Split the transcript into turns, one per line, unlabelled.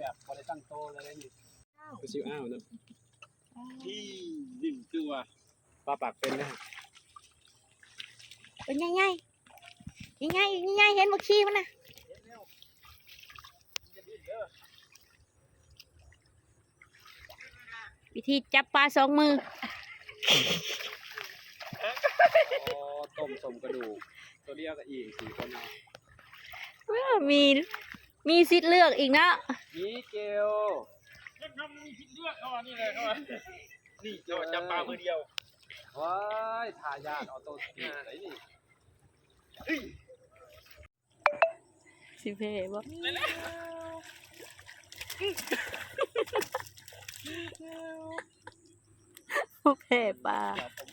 แบบพอได้ตั้งโตเลยนี่
ก็ชิวอ้าวเนาะ
ที่ดึงตัวปลาปากเป็นนะ
เป็นไงไงยังไงยังไงเห็นบักชีมันนะวิธีจับปลาสองมือ
อ๋อต้มสมกระดูกตัวเดียวกับอีก4 คนเอา
มีสิทธิ์เลือกอีกนะ
นี่เกล
ยังทำมีคิดเลือกเขาอันนี้เลยเขานี่เราจับปลามือเดียว
ว้ายทายาทออโต้สปีดไหนนี่
สิเพบ่ ผู้แพ้ปลา
เดี๋ยวผม